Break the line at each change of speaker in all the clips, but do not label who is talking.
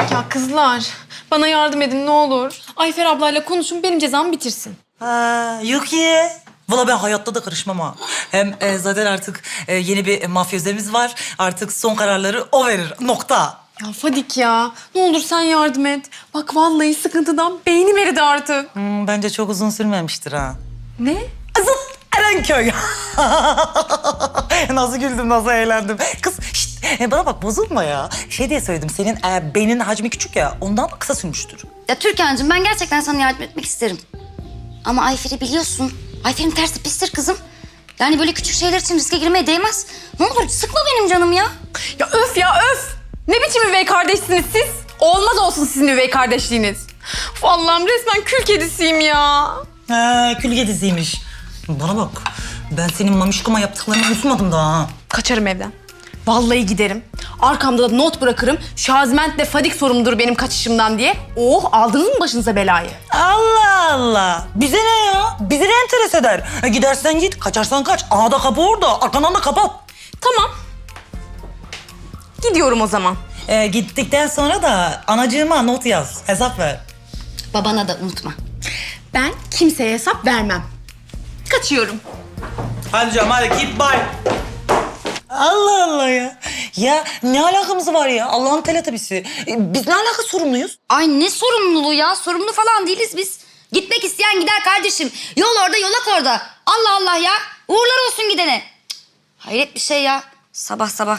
Ya kızlar, bana yardım edin ne olur. Ayfer ablayla konuşun, benim cezamı bitirsin.
Ha, yok ya. Valla ben hayatta da karışmam ha. Hem zaten artık yeni bir mafyözemiz var. Artık son kararları o verir. Nokta.
Ya Fadik ya, ne olur sen yardım et. Bak vallahi sıkıntıdan beynim eridi artık.
Bence çok uzun sürmemiştir ha.
Ne?
Zıt Erenköy. Nasıl güldüm, nasıl eğlendim. Kız şişt, bana bak bozulma ya. Şey diye söyledim, senin beyninin hacmi küçük ya. Ondan da kısa sürmüştür.
Ya Türkan'cığım ben gerçekten sana yardım etmek isterim. Ama Ayfer'i biliyorsun. Ayfer'in tersi pistir kızım. Yani böyle küçük şeyler için riske girmeye değmez. Ne olur sıkma benim canım ya.
Ya öf ya öf! Ne biçim üvey kardeşsiniz siz? Olmaz olsun sizin üvey kardeşliğiniz. Uf, Allah'ım resmen kül kedisiyim ya.
Kül kedisiymiş. Bana bak, ben senin mamişkoma yaptıklarını unutmadım daha ha.
Kaçarım evden. Vallahi giderim. Arkamda da not bırakırım. Şaziment'le Fadik sorumludur benim kaçışımdan diye. Oh, aldınız mı başınıza belayı?
Allah Allah. Bize ne ya? Bizi ne enteres eder? Gidersen git, kaçarsan kaç. Aa da kapı orada, arkandan da kapat.
Tamam. Gidiyorum o zaman.
Gittikten sonra da anacığıma not yaz, hesap ver.
Babana da unutma.
Ben kimseye hesap vermem. Kaçıyorum.
Hadi canım hadi keep bye. Allah Allah ya. Ya ne alakamız var ya? Allah'ın teletabisi. Biz ne alaka sorumluyuz?
Ay ne sorumluluğu ya? Sorumlu falan değiliz biz. Gitmek isteyen gider kardeşim. Yol orada, yolak orada. Allah Allah ya. Uğurlar olsun gidene. Cık, hayret bir şey ya. Sabah sabah.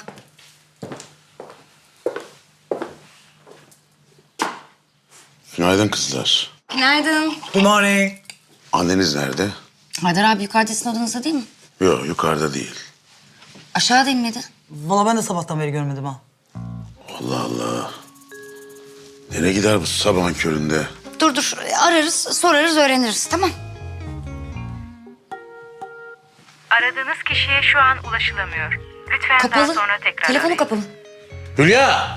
Günaydın kızlar.
Günaydın.
Good morning.
Anneniz nerede?
Haydar abi yukarıda sizin odanızda değil mi?
Yok yukarıda değil.
Aşağıda inmedi.
Vallahi ben de sabahtan beri görmedim ha.
Allah Allah. Nereye gider bu sabahın köründe?
Dur ararız, sorarız, öğreniriz tamam.
Aradığınız kişiye şu an ulaşılamıyor. Lütfen
Kapalı.
daha sonra tekrar
Telefonu
arayın.
kapalı.
Hülya!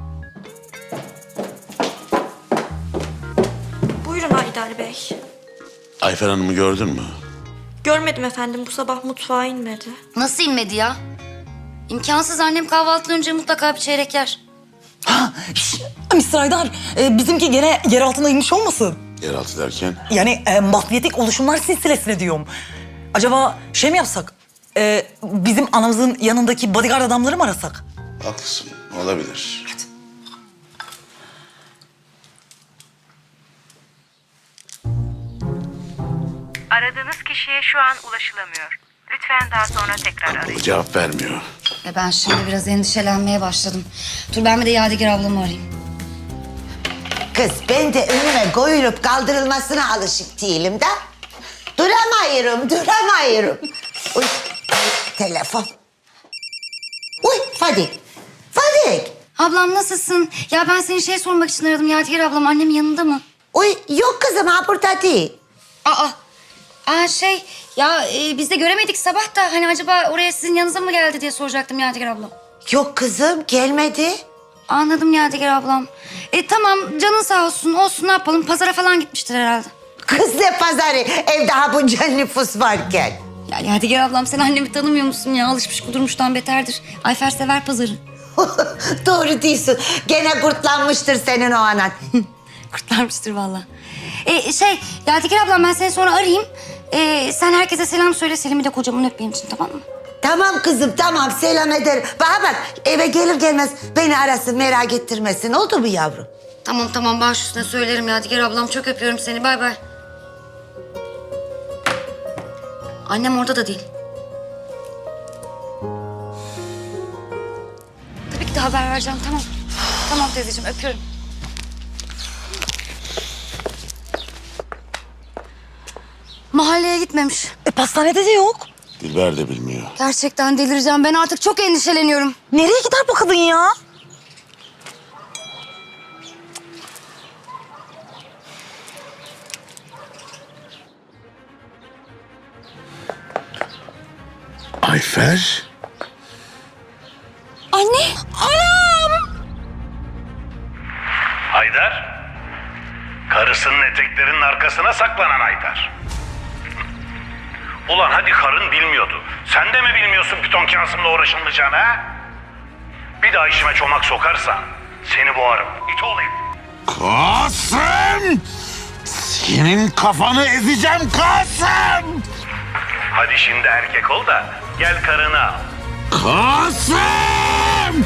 Buyurun Haydar Bey.
Ayfer Hanım'ı gördün mü?
Görmedim efendim, bu sabah mutfağa inmedi.
Nasıl inmedi ya? İmkansız, annem kahvaltıdan önce mutlaka bir çeyrek yer.
Ha, Mr. Aydar, bizimki gene yer altına inmiş olmasın?
Yeraltı derken?
Yani mafyatik oluşumlar silsilesine diyorum. Acaba şey mi yapsak? Bizim anamızın yanındaki bodyguard adamları mı arasak?
Haklısın, olabilir.
Aradığınız kişiye şu an ulaşılamıyor. Lütfen daha sonra tekrar arayın.
Cevap vermiyor.
Ben şimdi biraz endişelenmeye başladım. Dur ben bir de Yadigar ablamı arayayım.
Kız ben de önüme koyulup kaldırılmasına alışık değilim de. Duramıyorum. Uy, telefon. Uy, Fadik.
Ablam nasılsın? Ya ben seni sormak için aradım. Yadigar ablam annemin yanında mı?
Uy, yok kızım ha burada değil.
Biz de göremedik sabah da hani acaba oraya sizin yanınıza mı geldi diye soracaktım Yadigar ablam.
Yok kızım gelmedi.
Anladım Yadigar ablam. Tamam canın sağ olsun. Olsun ne yapalım, pazara falan gitmiştir herhalde.
Kız ne pazarı evde ha bunca nüfus varken.
Ya Yadigar ablam sen annemi tanımıyor musun ya? Alışmış kudurmuştan beterdir. Ayfer sever pazarı.
Doğru diyorsun. Gene kurtlanmıştır senin o anan.
Kurtlarmıştır vallahi. Yadigar ablam ben seni sonra arayayım. Sen herkese selam söyle. Selim'i de kocamın öp benim için tamam mı?
Tamam kızım tamam selam ederim. Bana bak eve gelir gelmez beni arasın merak ettirmesin oldu mu yavrum?
Tamam baş üstüne söylerim Yadigar ablam. Çok öpüyorum seni bay bay. Annem orada da değil. Tabii ki de haber vereceğim tamam. Tamam teyzeciğim öpüyorum. Mahalleye gitmemiş.
Pastanede de yok.
Dilber de bilmiyor.
Gerçekten delireceğim. Ben artık çok endişeleniyorum.
Nereye gider bu kadın ya?
Ayfer?
Anne! Anam!
Haydar, karısının eteklerinin arkasına saklanan Haydar. Ulan hadi karın bilmiyordu. Sen de mi bilmiyorsun piton Kasım'la uğraşılmayacağını ha? Bir daha işime çomak sokarsan Seni boğarım. İt olayım.
Kasım! Senin kafanı ezeceğim Kasım!
Hadi şimdi erkek ol da gel karını al.
Kasım!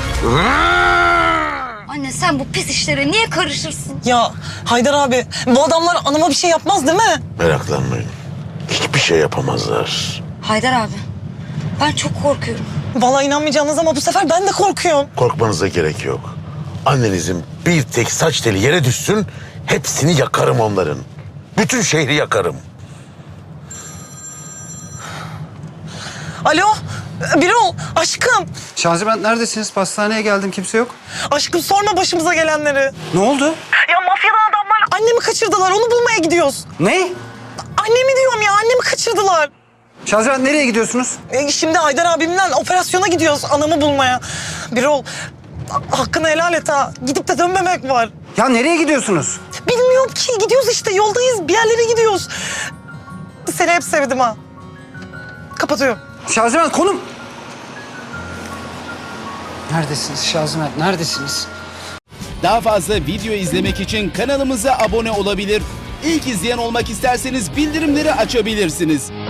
Anne sen bu pis işlere niye karışırsın?
Ya Haydar abi bu adamlar anama bir şey yapmaz değil mi?
Meraklanmayın. Hiçbir şey yapamazlar.
Haydar abi ben çok korkuyorum.
Vallahi inanmayacağınız ama bu sefer ben de korkuyorum.
Korkmanıza gerek yok. Annenizin bir tek saç teli yere düşsün, hepsini yakarım onların. Bütün şehri yakarım.
Alo Birol aşkım.
Şaziment neredesiniz? Pastaneye geldim, kimse yok.
Aşkım sorma başımıza gelenleri.
Ne oldu?
Ya mafyadan adamlar annemi kaçırdılar onu bulmaya gidiyoruz.
Ne?
Annemi diyorum ya annemi kaçırdılar.
Şaziment nereye gidiyorsunuz?
Şimdi Haydar abimle operasyona gidiyoruz anamı bulmaya. Birol hakkını helal et ha. Gidip de dönmemek var.
Ya nereye gidiyorsunuz?
Bilmiyorum ki gidiyoruz işte yoldayız bir yerlere gidiyoruz. Seni hep sevdim ha. Kapatıyorum.
Şaziment konum. Neredesiniz Şaziment, neredesiniz?
Daha fazla video izlemek için kanalımıza abone olabilir. İlk izleyen olmak isterseniz bildirimleri açabilirsiniz.